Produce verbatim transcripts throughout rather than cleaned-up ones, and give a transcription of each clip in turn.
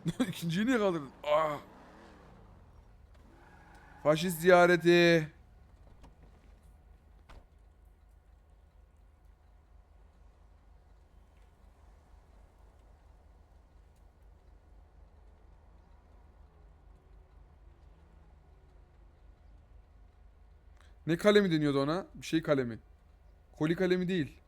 İkinciyi niye kaldırdın? Ah. Faşist ziyareti. Ne kalemi deniyordu ona? Bir şey kalemi. Koli kalemi değil.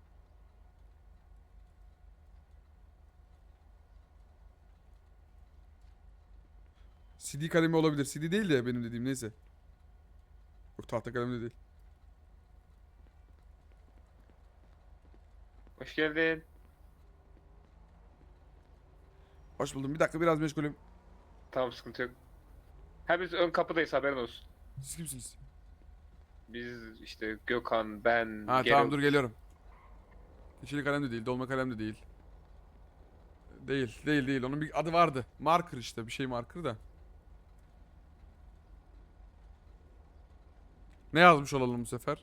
C D kalemi olabilir. C D değil de benim dediğim neyse. Yok, tahta kalemi de değil. Hoş geldin. Hoş buldum. Bir dakika, biraz meşgulüm. Tamam, sıkıntı yok. Ha, biz ön kapıdayız, haberin olsun. Siz kimsiniz? Biz işte Gökhan, ben, Ha Geralt. tamam, dur geliyorum. Yeşil kalem de değil, dolma kalem de değil. Değil, değil, değil. Onun bir adı vardı. Marker işte, bir şey marker da. Ne yazmış olalım bu sefer?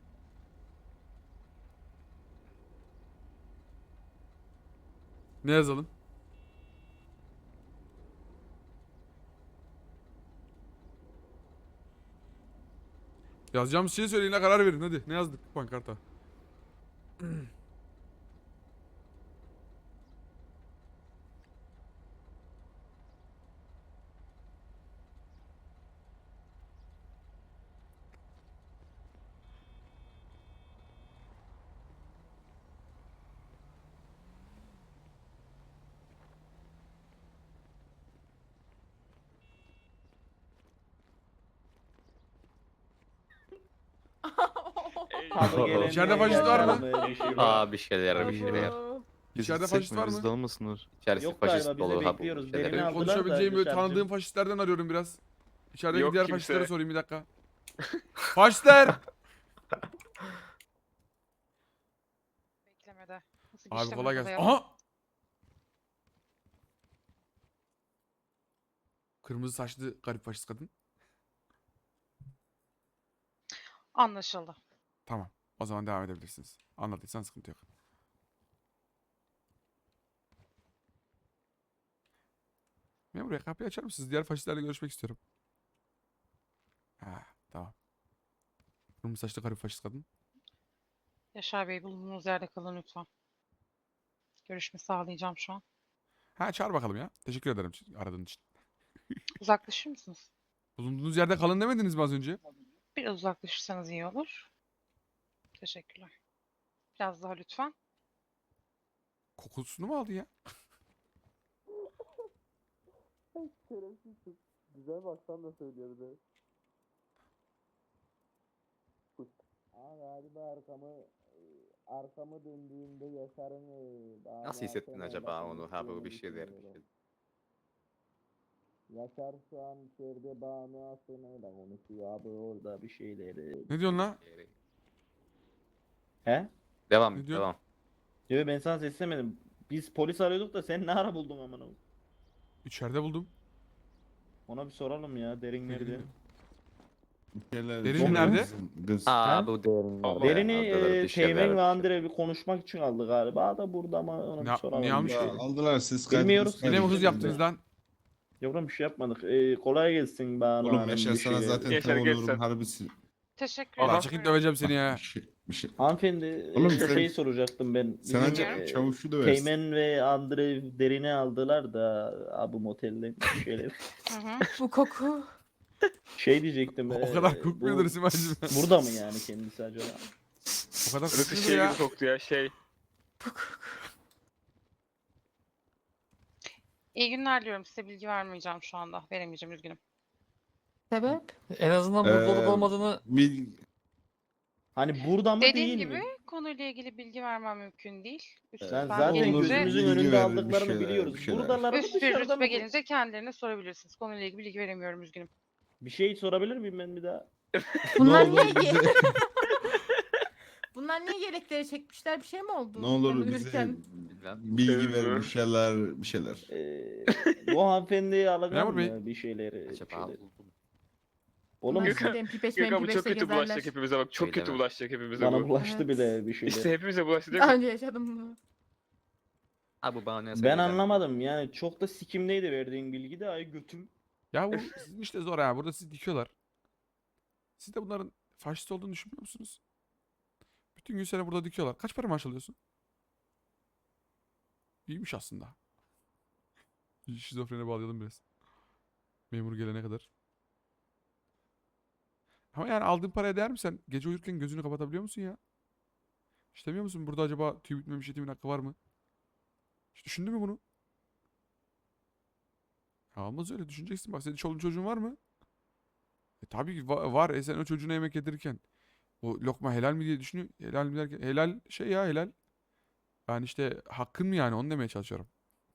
Ne yazalım? Yazacağımız şeyi söyleyin, ha, karar verin hadi. Ne yazdık pankarta? Tadı gelen İçeride faşist var mı? bir şey var. Aa, bir şeyler bir şeyler. İçeride faşist var mı? Bizde olmasınlar. İçerisi Yok faşist galiba, biz de dolu ha bu bekliyoruz. şeyler. Derini Benim aldılar da konuşabileceğim böyle dışarıcı. tanıdığım faşistlerden arıyorum biraz. İçerideki Yok diğer kimse. faşistlere sorayım bir dakika. Faşistler! Beklemede. Nasıl Abi geçti kolay burada gelsin. ya? Aha! Kırmızı saçlı garip faşist kadın. Anlaşıldı. Tamam. O zaman devam edebilirsiniz. Anladıysan sıkıntı yok. Memur bey, kapıyı açar mısınız? Diğer faşistlerle görüşmek istiyorum. Ha, tamam. Kırmızı saçlı garip faşist kadın. Yaşar Bey, bulunduğunuz yerde kalın lütfen. Görüşme sağlayacağım şu an. Ha, çağır bakalım ya. Teşekkür ederim aradığın için. Uzaklaşır mısınız? Bulunduğunuz yerde kalın demediniz mi az önce? Biraz uzaklaşırsanız iyi olur. Teşekkürler. Biraz daha lütfen. Kokusunu mu aldı ya? Güzel baksan da söylüyor bir de. Aa, galiba arkamı arkamı döndüğümde Yaşar'ın e, Nasıl hissettin acaba onu ha bu bir şeyler. Yaşar şu an içeride Banu Aslan'ıyla konuşuyor abi, orada bir şeyleri. Ne diyorsun lan? He? Devam Ne et diyor? devam. Diyor, ben sana seslemedim. Biz polis arıyorduk da sen ne ara buldun amına? İçeride buldum. Ona bir soralım ya, derin nerede? Derin nerede? Aa bu derin. Derini Aldılar bir e, şeyler, Teğmen bir ve şey. Andre bir konuşmak için aldı galiba da burada, ama ona Ne- bir soralım. niye almış ya. ki? Aldılar siz Bilmiyoruz. Yine mi hız yaptınız lan? Yavrum bir şey yapmadık. E, kolay gelsin Banu Oğlum Hanım, Yaşar bir sana şey- zaten Yaşar tam oluyorum geçsen. harbisi. Teşekkür Aha. ederim. Lan çıkıp döveceğim seni ya. Bir şey, bir şey. Hanımefendi, Oğlum e, sen- şey soracaktım ben. Sen Bizim, ancak e, çavuşu döversin. Teğmen ve Andre derini aldılar da abi motelden bir şeyler. Hı hı. Bu koku. Şey diyecektim. O e, kadar kokmuyordur bu- Simacığım. Burada mı yani kendisi acaba? O kadar Burası kokmuyordur şey ya. gibi koktu ya, şey. Bu koku. İyi günler diliyorum. Size bilgi vermeyeceğim şu anda. Veremeyeceğim, üzgünüm. Sebep? En azından burada olup Ee, olmadığını Bir Hani burada mı Dediğim değil gibi mi? konuyla ilgili bilgi vermem mümkün değil. Üst Ben lütfen zaten Olur, gelince, gözümüzün bilgi önünde ver, bir aldıklarını şeyler, biliyoruz. bir şeyler. Buradalar mı üst bir dışarıda rütbe mı? gelince kendilerine sorabilirsiniz. Konuyla ilgili bilgi veremiyorum, üzgünüm. Bir şey sorabilir miyim ben bir daha? Bunlar Ne niye olur bize- Bunlar niye yelekleri çekmişler? Bir şey mi oldu? ne olur Onu bize yürürken. bilgi ver, bir şeyler, bir şeyler. Ee, bu hanımefendiye alacağım Memur Bey. mı bir şeyleri? bir Acaba şeyleri? buldum. Oğlum Bunlar Gökhan- şimdi M P beş Gökhan bu M P çok beşle kötü bulaşacak gezerler. hepimize bak. Çok Öyle kötü mi? bulaşacak hepimize bana bu. bulaştı Evet. bile bir şeyler. İşte hepimize bulaştı değil Daha mi? önce yaşadım bunu. Abi bana Ben söyleden. anlamadım yani çok da sikimdeydi verdiğin bilgi de ay götüm. Ya bu sizin işte zor ya. Burada sizi dikiyorlar. Siz de bunların faşist olduğunu düşünmüyor musunuz? Bütün gün seni burada dikiyorlar. Kaç para maaş alıyorsun? İyiymiş aslında. Şizofrene bağlayalım biraz. Memur gelene kadar. Ama yani aldığın paraya değer mi sen? Gece uyurken gözünü kapatabiliyor musun ya? Hiç demiyor musun? Burada acaba tüy bitmemiş yetimin hakkı var mı? Hiç düşündün mü bunu? Ya olmaz öyle düşüneceksin. Bak senin çoluğun çocuğun var mı? E tabii ki va- var. E sen o çocuğuna yemek yedirirken o lokma helal mi diye düşünüyor. Helal mi derken helal şey ya helal. Yani işte hakkın mı yani onu demeye çalışıyorum.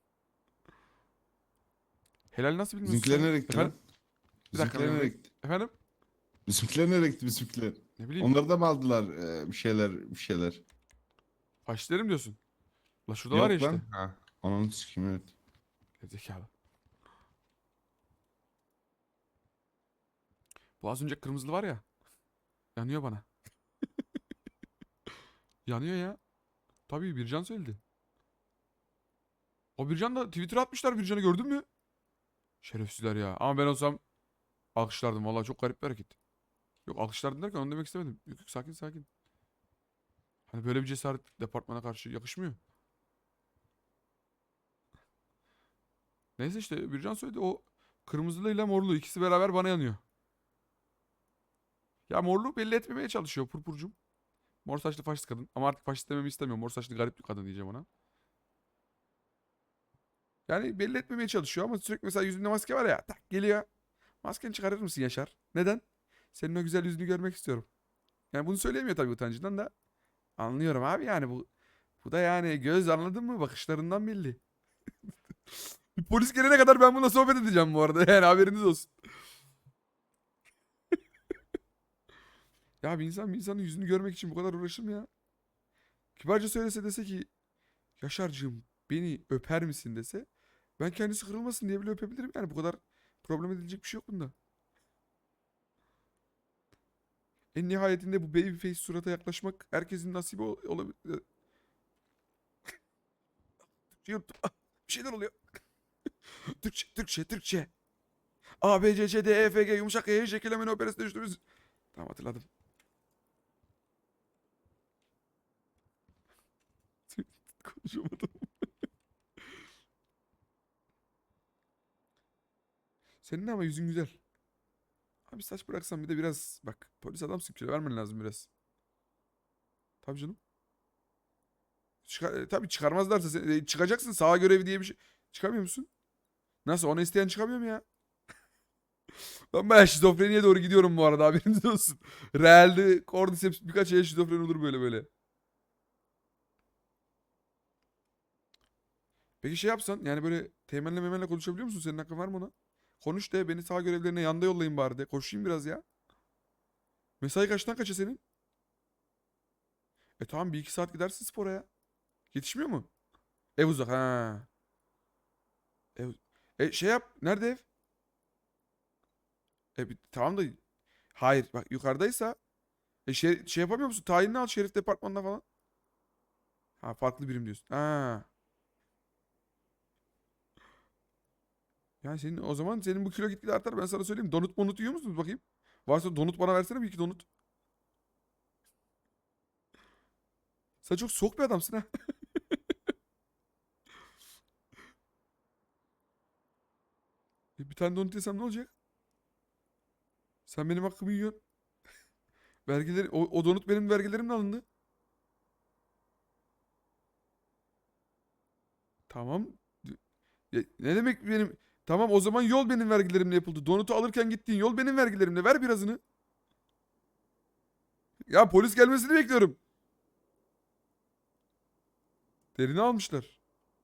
Helal nasıl bilmiyorsun Bizimkiler sen? nereye gitti Efendim? lan? Bir dakika Bizimkiler memur nereye bey. gitti? Efendim? Bizimkiler nereye gitti bizimkiler? Ne bileyim. Onlar da mı aldılar e, bir şeyler bir şeyler? Faşistlerim diyorsun. La şuradalar ya Yok işte. lan. Ha. Ananı sikeyim evet. Gerizekalı. Bu az önce kırmızılı var ya. Yanıyor bana. Yanıyor ya. Tabii Bircan söyledi. O Bircan da Twitter'a atmışlar Bircan'ı gördün mü? Şerefsizler ya. Ama ben olsam alkışlardım. Vallahi çok garip bir hareket. Yok alkışlardım derken onu demek istemedim. Yok yok sakin sakin. Hani böyle bir cesaret departmana karşı yakışmıyor. Neyse işte Bircan söyledi o kırmızılıyla morlu ikisi beraber bana yanıyor. Ya morlu belli etmemeye çalışıyor purpurcum. Mor saçlı faşist kadın. Ama artık faşist dememi istemiyorum. Mor saçlı garip bir kadın diyeceğim ona. Yani belli etmemeye çalışıyor ama sürekli mesela yüzünde maske var ya. Tak geliyor. Maskeni çıkarır mısın Yaşar? Neden? Senin o güzel yüzünü görmek istiyorum. Yani bunu söyleyemiyor tabii utancından da. Anlıyorum abi yani bu. Bu da yani göz anladın mı? Bakışlarından belli. Polis gelene kadar ben bununla sohbet edeceğim bu arada. Yani haberiniz olsun. Ya bir insan bir insanın yüzünü görmek için bu kadar uğraşır mı ya? Kibarca söylese dese ki Yaşar'cığım beni öper misin dese ben kendisi kırılmasın diye bile öpebilirim yani bu kadar problem edilecek bir şey yok bunda. En nihayetinde bu baby face surata yaklaşmak herkesin nasibi ol- olabilir. Yuttum. Ah, bir şeyler oluyor. Türkçe, Türkçe, Türkçe. A, B, C, C, D, E, F, G, yumuşak G, şekillemenin operasını düştüğümüz. Tamam hatırladım. Konuşamadım. Senin ama yüzün güzel. Abi saç bıraksan bir de biraz bak polis adamsın kilo vermen lazım biraz. Tabii canım. Çıkar, e, tabii çıkarmazlarsa sen, e, çıkacaksın sağa görevi diye bir şey. Çıkamıyor musun? Nasıl ona isteyen çıkamıyor mu ya? Ben bayağı şizofreniye doğru gidiyorum bu arada haberiniz olsun. Realde Cordyceps birkaç ay şizofren olur böyle böyle. Peki şey yapsan yani böyle teğmenle memenle konuşabiliyor musun? Senin hakkın var mı ona? Konuş de beni sağ görevlerine yanda yollayın bari de. Koşayım biraz ya. Mesai kaçtan kaça senin? E tamam bir iki saat gidersin spora ya. Yetişmiyor mu? Ev uzak ha. Ev... E şey yap. Nerede ev? E bir- tamam da hayır bak yukarıdaysa e şey, şey yapamıyor musun? Tayinini al şerif departmanına falan. Ha farklı birim diyorsun. Ha. Yani senin o zaman senin bu kilo gitgide artar ben sana söyleyeyim. Donut monut yiyor musunuz bakayım? Varsa donut bana versene bir iki donut. Sen çok soğuk bir adamsın ha. E, bir tane donut yesem ne olacak? Sen benim hakkımı yiyorsun. Vergileri, o, o donut benim vergilerimle alındı. Tamam. Ya, ne demek benim? Tamam o zaman yol benim vergilerimle yapıldı. Donutu alırken gittiğin yol benim vergilerimle. Ver birazını. Ya polis gelmesini bekliyorum. Derini almışlar.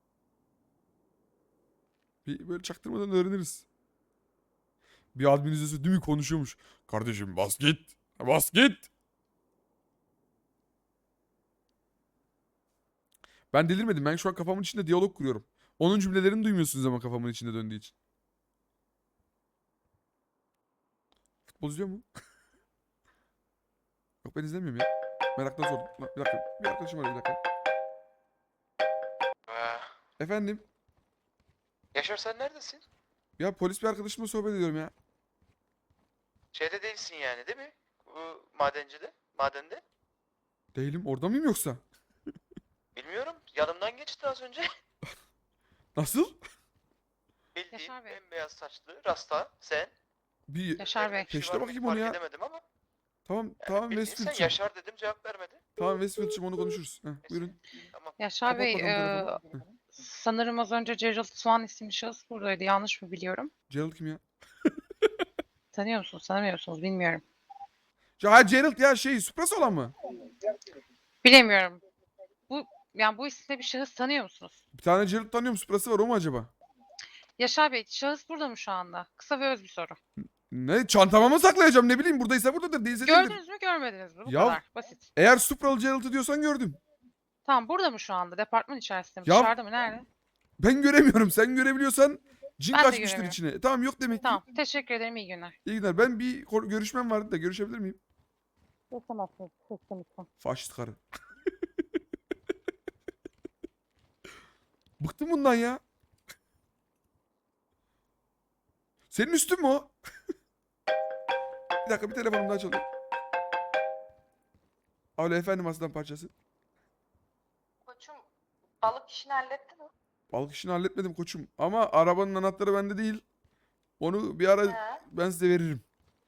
Bir böyle çaktırmadan öğreniriz. Bir adminizesi değil mi konuşuyormuş. Kardeşim bas git. Bas git. Ben delirmedim. Ben şu an kafamın içinde diyalog kuruyorum. Onun cümlelerini duymuyorsunuz ama kafamın içinde döndüğü için. Futbol izliyor mu? Yok ben izlemiyorum ya. Meraktan sordum. Bir dakika. Bir arkadaşım var bir dakika. Efendim? Yaşar sen neredesin? Ya polis bir arkadaşımla sohbet ediyorum ya. Şeyde değilsin yani değil mi? Bu madencide, madende. Değilim. Orada mıyım yoksa? Bilmiyorum. Yanımdan geçti az önce. Nasıl? Bildiğin Yaşar Bey. bembeyaz saçlı, rasta, sen. Bir Yaşar Bey. Bir şey Teşte var mı bakayım onu fark ya. edemedim ama. Tamam Yani tamam bildiğin sen Westfield'cim. Yaşar dedim cevap vermedi. Tamam Westfield'cim onu konuşuruz. Heh, Neyse, buyurun. Tamam. Yaşar Kapat Bey, bakalım eee, telefonu. Heh. sanırım az önce Gerald Swan isimli şahıs buradaydı. Yanlış mı biliyorum? Gerald kim ya? Tanıyor musunuz, tanımıyor musunuz bilmiyorum. Ya ha, Gerald ya şey Suprası olan mı? Bilemiyorum. Bu yani bu isimde bir şahıs tanıyor musunuz? Bir tane Gerald tanıyorum. Suprası var o mu acaba? Yaşar Bey, şahıs burada mı şu anda? Kısa ve öz bir soru. Ne çantama mı saklayacağım ne bileyim buradaysa buradadır değilse değildir. Gördünüz mü, görmediniz mi? Bu Ya- kadar basit. Eğer Supralı Gerald'ı diyorsan gördüm. Tamam, burada mı şu anda? Departman içerisinde mi? Ya- Dışarıda mı? Nerede? Ben göremiyorum. Sen görebiliyorsan cin Ben de kaçmıştır göremiyorum. içine. E, tamam yok demek ki. Tamam, teşekkür ederim. İyi günler. İyi günler. Ben bir ko- görüşmem vardı da görüşebilir miyim? Geçemezsiniz. Lütfen lütfen. Faşist karı. Bıktım bundan ya. Senin üstün mü o? Bir dakika bir telefonum daha çalıyor. Alo efendim aslan parçası. Koçum balık işini hallettin mi? Balık işini halletmedim koçum. Ama arabanın anahtarı bende değil. Onu bir ara He. ben size veririm.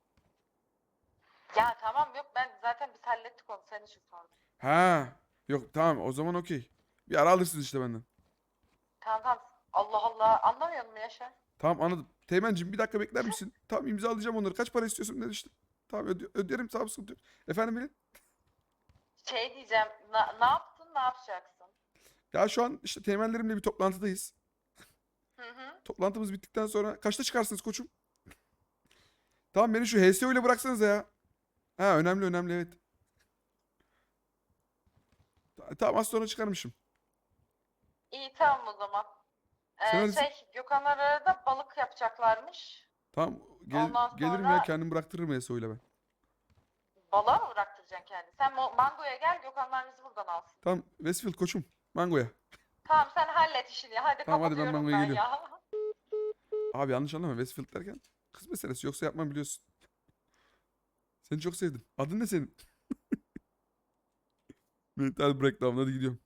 Ya tamam yok ben zaten biz hallettik onu senin için sordum. Ha. Yok tamam o zaman okey. Bir ara alırsınız işte benden. Tamam tamam. Allah Allah anlamıyor musun Yaşar? Tamam anladım. Teğmencim bir dakika bekler misin? Tamam imzalayacağım onları. Kaç para istiyorsun dedi işte. Tamam öde- öderim tamam sıkıntı yok. Efendim benim? Şey diyeceğim na- ne yaptın ne yapacaksın? Ya şu an işte teğmenlerimle bir toplantıdayız. Hı hı. Toplantımız bittikten sonra kaçta çıkarsınız koçum? Tamam beni şu H S O ile bıraksanıza ya. Ha önemli önemli evet. Ta- Tamam az sonra çıkarmışım. İyi tamam o zaman. Sen Ee, neredesin? şey Gökhanlar arada balık yapacaklarmış. Tamam gel- Ondan gelirim ya sonra- kendim bıraktırırım H S O ile ben. Balığa mı bıraktıracaksın kendini? Sen Mo- Mango'ya gel Gökhanlar bizi buradan alsın. Tamam Westfield koçum. Mangoya. Tamam sen hallet işini. Hadi Tamam, hadi ben kapatıyorum Mango'ya ben geliyorum. ya. Abi yanlış anlama Westfield derken kız meselesi yoksa yapmam biliyorsun. Seni çok sevdim. Adın ne senin? Mental breakdown hadi gidiyorum.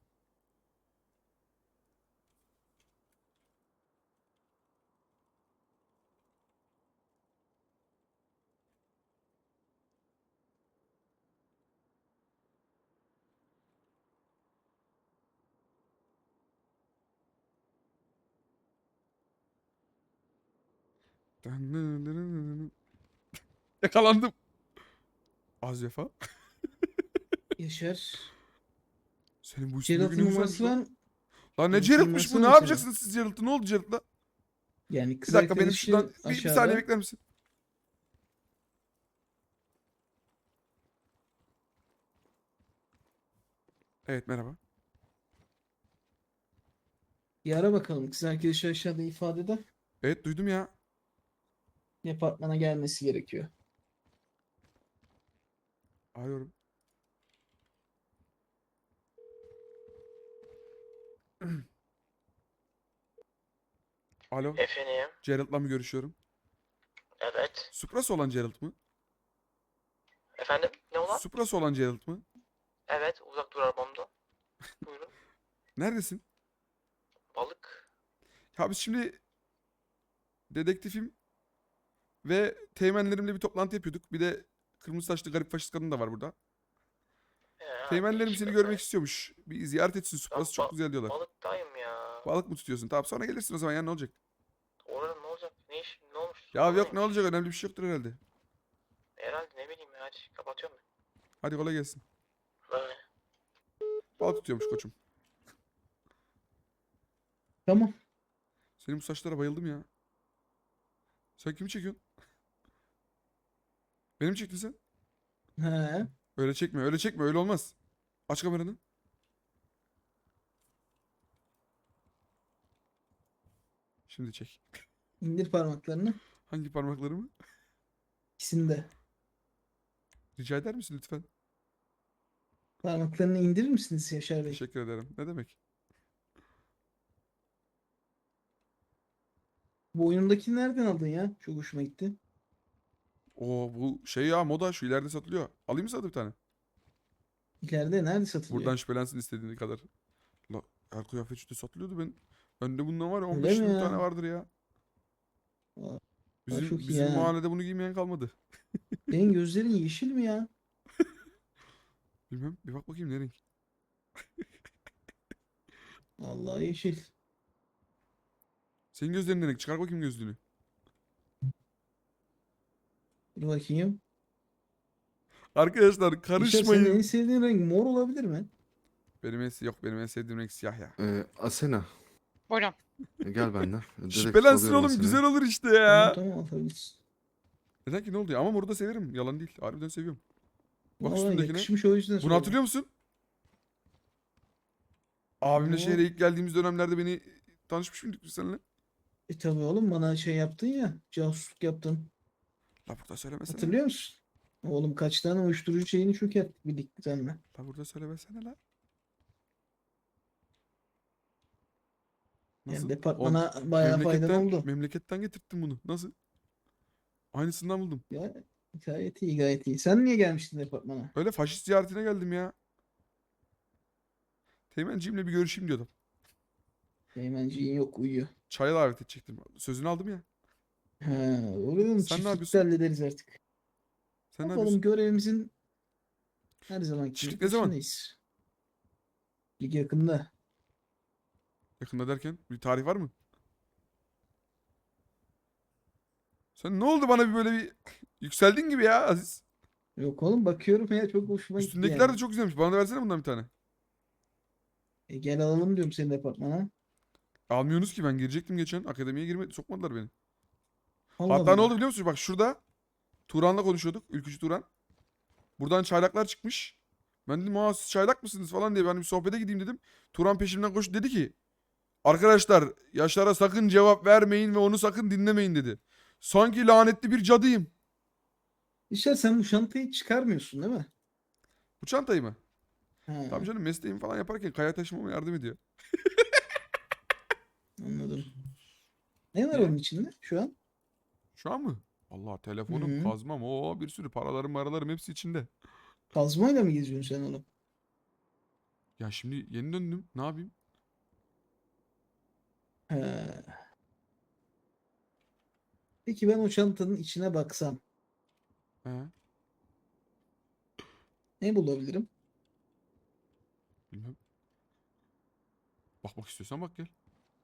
Yakalandım. Az vefa. Yaşar. Senin bu üstünde Gerald'ın günün numarası güzelmiş lan. var. Lan ne Gerald'ın Gerald'mış bu? numarası Ne var mı yapacaksınız siz Gerald'ı? Ne oldu Gerald'la? Yani Bir kız dakika benim arkadaşı şuradan bir, bir aşağıda. saniye bekler misin? Evet merhaba. Bir ara bakalım. Kız arkadaşı aşağıda ifadede. Evet duydum ya. Departmana gelmesi gerekiyor. Arıyorum. Alo. Efendim. Gerald'la mı görüşüyorum? Evet. Suprası olan Gerald mı? Efendim ne olan? Suprası olan Gerald mı? Evet uzak dur arabamda. Buyurun. Neredesin? Balık. Ya biz şimdi dedektifim ve teğmenlerimle bir toplantı yapıyorduk. Bir de kırmızı saçlı garip faşist kadın da var burada. He, Teğmenlerim değişik seni be. görmek istiyormuş. Bir ziyaret etsin. Suprası ba- çok güzel diyorlar. Balıktayım ya. Balık mı tutuyorsun? Tamam sonra gelirsin o zaman ya ne olacak? Orada ne olacak? Ne iş? Ne olmuş? Ya Sorun yok ne neymiş? olacak önemli bir şey yoktur herhalde. Herhalde ne bileyim ya. Hadi kapatıyorum ben. Hadi kolay gelsin. Böyle. Balık tutuyormuş koçum. Tamam. Senin bu saçlara bayıldım ya. Sen kimi çekiyorsun? Beni mi çektin sen? He. Öyle çekme öyle çekme öyle olmaz. Aç kameranı. Şimdi çek. İndir parmaklarını. Hangi parmaklarımı? İkisini de. Rica eder misin lütfen? Parmaklarını indirir misiniz Yaşar Bey? Teşekkür ederim. Ne demek? Bu oyundakini nereden aldın ya? Çok hoşuma gitti. Oo bu şey ya moda şu ileride satılıyor. Alayım mı sana bir tane? İleride nerede satılıyor? Buradan şüphelensin istediğin kadar. La, her kıyafet işte satılıyordu ben. Bende bundan var ya Öyle on beş mi yirmi ya? tane vardır ya. Aa, Bizim, çok iyi bizim ha. mahallede bunu giymeyen kalmadı. Senin gözlerin yeşil mi ya? Bilmem bir bak bakayım ne renk. Vallahi yeşil. Senin gözlerin ne renk? Çıkar bakayım gözlüğünü. Dur bakayım. Arkadaşlar İşte senin en karışmayın. sevdiğin renk mor olabilir mi? Benim en, yok benim en sevdiğim renk siyah ya. Ee, Asena Buyurun. gel benden. Direkt Şüphelensin soruyorum oğlum Asena'ya. güzel olur işte Tamam ya. tamam atabilirsin. Neden ki ne oldu ya? Ama moru da severim. Yalan değil. Harbiden seviyorum. Bak Vallahi üstündekine. yakışmış o yüzden Bunu sordum. hatırlıyor musun? Abimle Oo. şehre ilk geldiğimiz dönemlerde beni tanışmış mıydık biz seninle? E tabii oğlum bana şey yaptın ya. Casusluk yaptın. La burada söylemesene. Hatırlıyor musun? Oğlum kaç tane uyuşturucu şeyini çökerttik birlikte seninle. La burada söylemesene la. Yani Nasıl? departmana Oğlum, bayağı faydan memleketten, oldu. memleketten getirttim bunu. Nasıl? Aynısından buldum. Ya gayet iyi gayet iyi. Sen niye gelmiştin departmana? Öyle faşist ziyaretine geldim ya. Teğmenciğimle bir görüşeyim diyordum. Teğmenciğin yok uyuyor. Çaya davet edecektim. Sözünü aldım ya. He, olur mu? Sen ne Çiftlikte yapıyorsun? hallederiz artık. Sen ne Bakalım yapıyorsun? görevimizin her zamanki Çiftlik gibi ne zaman? peşindeyiz. Lig yakında. Yakında derken bir tarih var mı? Sen ne oldu bana bir böyle bir yükseldin gibi ya Aziz. Yok oğlum bakıyorum ya çok hoşuma gitti Üstündekiler yani. de çok güzelmiş. Bana da versene bundan bir tane. E, gel alalım diyorum senin departmana. Almıyorsunuz ki ben girecektim geçen. Akademiye girmedi. Sokmadılar beni. Allah Hatta ne Allah. oldu biliyor musun? Bak şurada Turan'la konuşuyorduk. Ülkücü Turan. Buradan çaylaklar çıkmış. Ben dedim aa siz çaylak mısınız falan diye ben bir sohbete gideyim dedim. Turan peşimden koştu dedi ki arkadaşlar Yaşar'a sakın cevap vermeyin ve onu sakın dinlemeyin dedi. Sanki lanetli bir cadıyım. İşte sen bu şantayı çıkarmıyorsun değil mi? Bu çantayı mı? Ha, Tabii canım mesleğimi falan yaparken kaya taşımama yardım ediyor. anladım. Ne var Niye? onun içinde şu an? Şu an mı? Allah telefonum, Hı. kazmam, o bir sürü paralarım, maralarım hepsi içinde. Kazmayla mı geziyorsun sen oğlum? Ya şimdi yeni döndüm. Ne yapayım? He. Peki ben o çantanın içine baksam He. ne bulabilirim? Bilmem. Bakmak istiyorsan bak gel.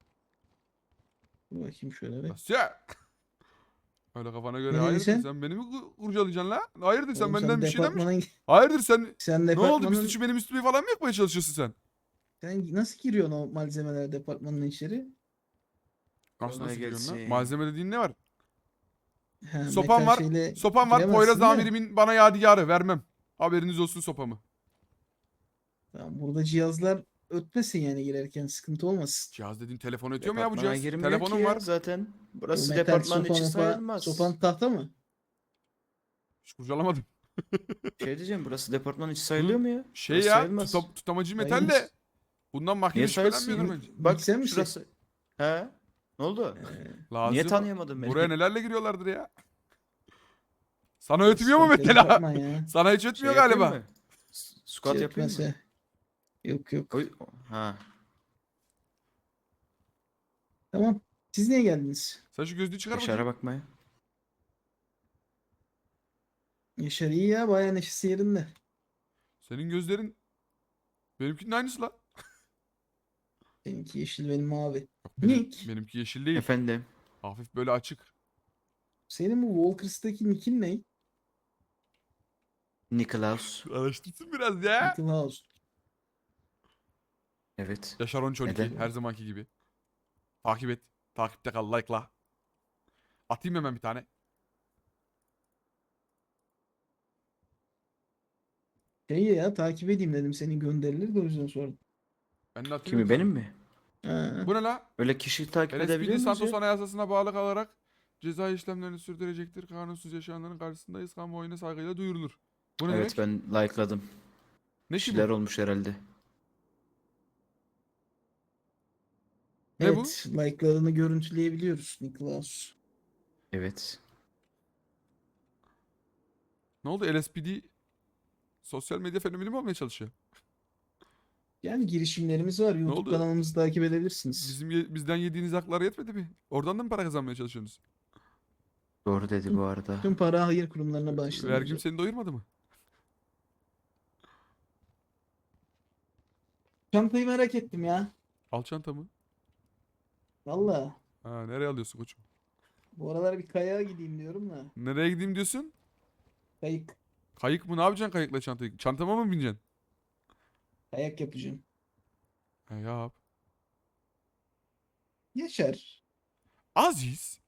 Dur bakayım şöyle bir. Nasıl ya? Öyle kafana göre Ne hayırdır dedin sen? sen beni mi kur- kurcalayacaksın la? Hayırdır sen Oğlum benden bir şeyden mi? departmana Hayırdır sen sen ne oldu bir departmanın suçu benim üstüme falan mı yapmaya çalışıyorsun sen? sen nasıl giriyorsun o malzemeler departmanın içeri? Nasıl Kolay nasıl giriyorsun lan? gelsin. Malzeme dediğin ne var? He, Sopam metal var. şeyle Sopam var. giremezsin Poyraz de. amirimin bana yadigarı vermem. Haberiniz olsun sopamı. Tamam, burada cihazlar ötmesin yani girerken sıkıntı olmasın. Cihaz dediğin telefon ötüyor mu ya bu Departmana cihaz? girmiyor Telefonum ki ya var. zaten. Bu Burası metal departmanın sopa içi mopa, sayılmaz. sopan tahta mı? Hiç kurcalamadım. Şey diyeceğim burası departmanın içi sayılıyor mu ya? Şey Burası ya sayılmaz. tutam, tutamacı metal Sayılmaz. de bundan mahkeme Niye sayılsın? şüphelenmiyordur bence. Bak Mikser misin? şurası. He? Ne oldu? Ee, Lazım. Niye tanıyamadın beni? Buraya nelerle giriyorlardır ya. Sana ötmüyor mu sıkıntı mesela? departman ya. Sana hiç Şey ötmüyor yapayım galiba. mı? S- Squat Şey yapayım mı? ötmese- Yok yok. Oy- Ha. Tamam. Siz niye geldiniz? Sen şu gözlüğü çıkar Yaşar'a bakayım. bakmaya. Yaşar iyi ya bayağı neşesi yerinde. Senin gözlerin benimkinin aynısı la. Seninki yeşil benim mavi. Benim- Nick. benimki yeşil değil. Efendim. Hafif böyle açık. Senin bu Walkers'taki nickin ne? Nikolaus. Araştırsın biraz ya. Nicholas. Evet. Yaşar on on iki Neden? her zamanki gibi. Takip et. Takipte kal. Like'la. Atayım hemen bir tane. Şey ya takip edeyim dedim senin gönderileri de o yüzden sordum. Ben de atayım Kimi bir benim tane. mi? Ha. Bu ne la? Öyle kişi takip L S edebiliyor P D muyuz Santos ya? Anayasası'na bağlı kalarak ceza işlemlerini sürdürecektir. Kanunsuz yaşayanların karşısındayız. Kamuoyuna saygıyla duyurulur. Bu ne Evet demek? ben like'ladım. Ne Bir ki bu? şeyler olmuş herhalde. Ne bu? Evet, like'larını görüntüleyebiliyoruz Niklaus. Evet. Ne oldu? L S P D sosyal medya fenomeni mi olmaya çalışıyor? Yani girişimlerimiz var. YouTube oldu? kanalımızı takip edebilirsiniz. Bizim ye- bizden yediğiniz haklar yetmedi mi? Oradan da mı para kazanmaya çalışıyorsunuz? Doğru dedi bu arada. Tüm para hayır kurumlarına bağışlanıyor. Vergim seni doyurmadı mı? Çantayı merak ettim ya. Al çantamı. Valla. Ha, nereye alıyorsun koçum? Bu aralar bir kayağa gideyim diyorum da. Nereye gideyim diyorsun? Kayık. Kayık mı? Ne yapacaksın kayıkla çantayı? Çantama mı bineceksin? Kayak yapacağım. Ha, yap. Yaşar. Aziz.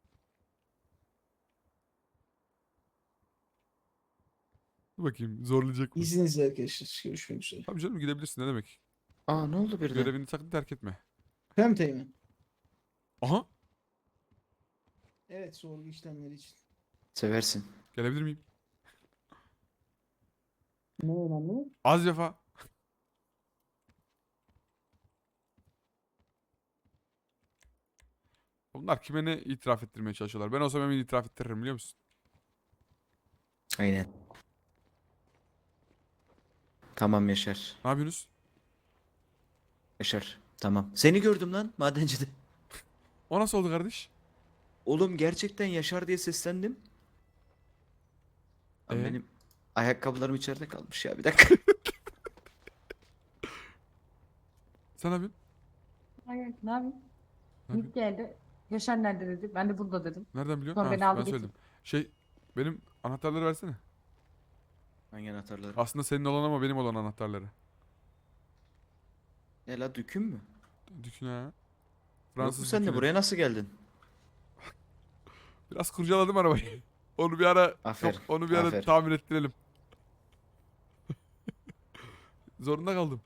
Dur bakayım zorlayacak mı? İzninizle arkadaşlar. Görüşmek üzere. Tabii canım gidebilirsin ne demek. Aa ne oldu birden? Görevini sakın terk etme. Hem teğmen. Aha Evet, sorgu işlemleri için. Seversin. gelebilir miyim? Ne önemli? Az vefa. Bunlar kime ne itiraf ettirmeye çalışıyorlar? Ben olsam hemen itiraf ettiririm biliyor musun? Aynen. Tamam Yaşar. Ne yapıyorsunuz? Yaşar. Tamam. Seni gördüm lan madencide. O nasıl oldu kardeş? Oğlum gerçekten Yaşar diye seslendim. Lan Ee? benim ayakkabılarım içeride kalmış ya bir dakika. Sen ne yapıyorsun? Hayır, ne yapayım? Ne Nick geldi. Yaşar nerede dedi. Ben de burada dedim. Nereden biliyorsun? Sonra Ha, beni ben aldı söyledim. Şey benim anahtarları versene. Hangi anahtarları? Aslında senin olan ama benim olan anahtarları. Ne la düküm mü? Dükün ha. Yok mu Fransız sen de dükünü. buraya nasıl geldin? Biraz kurcaladım arabayı. Onu bir ara Aferin, yok, onu bir ara aferin. tamir ettirelim. Zorunda kaldım.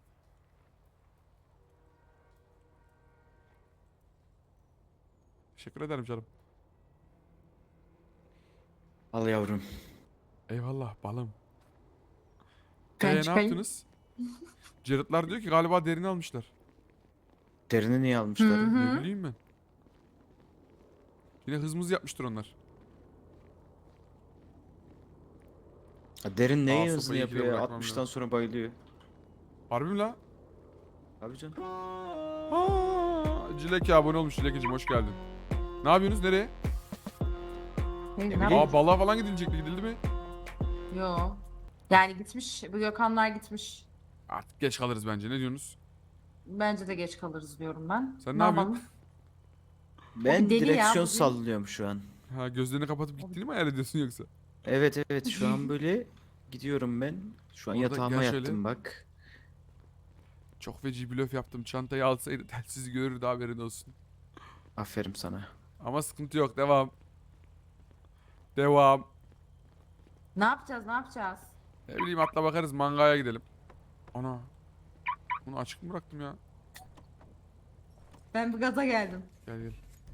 Teşekkür ederim canım. Al yavrum. Eyvallah balım. Ben Ee, ne çıkayım. yaptınız? Jared'lar diyor ki galiba derini almışlar. Derini niye almışlar? Hı hı. Ne bileyim ben. Yine hızımız yapmıştır onlar. Ha, derin neyi Aa, hızlı sopayı ikide yapıyor ya? bırakmam altmıştan lazım. sonra bayılıyor. Harbi mi la? Abi canım. Aa, Cileke abone olmuş Cilekeciğim hoş geldin. Ne yapıyorsunuz nereye? Hey, ne bileyim. yapayım? Aa balığa falan gidilecekti gidildi mi? Yo. Yani gitmiş. Bu Gökhanlar gitmiş. Artık geç kalırız bence ne diyorsunuz? Bence de geç kalırız diyorum ben. Sen ne yapıyorsun? yapalım? Ben deli ya, direksiyon bugün. sallıyorum şu an. Ha gözlerini kapatıp gittiğini mi hayal ediyorsun yoksa? Evet evet şu an böyle gidiyorum ben. Şu an Orada yatağıma gel yattım şöyle. bak. Çok feci blöf yaptım. Çantayı alsaydı telsizi görürdü haberin olsun. Aferin sana. Ama sıkıntı yok devam. Devam. Ne yapacağız? Ne yapacağız? Ne bileyim atla bakarız mangaya gidelim. Ana. Bunu açık mı bıraktım ya? Ben bu gaza geldim. Gel gel.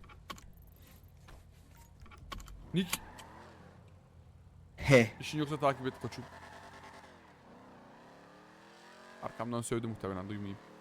Nick He. işin yoksa takip et koçum. Arkamdan sövdü muhtemelen duymayayım.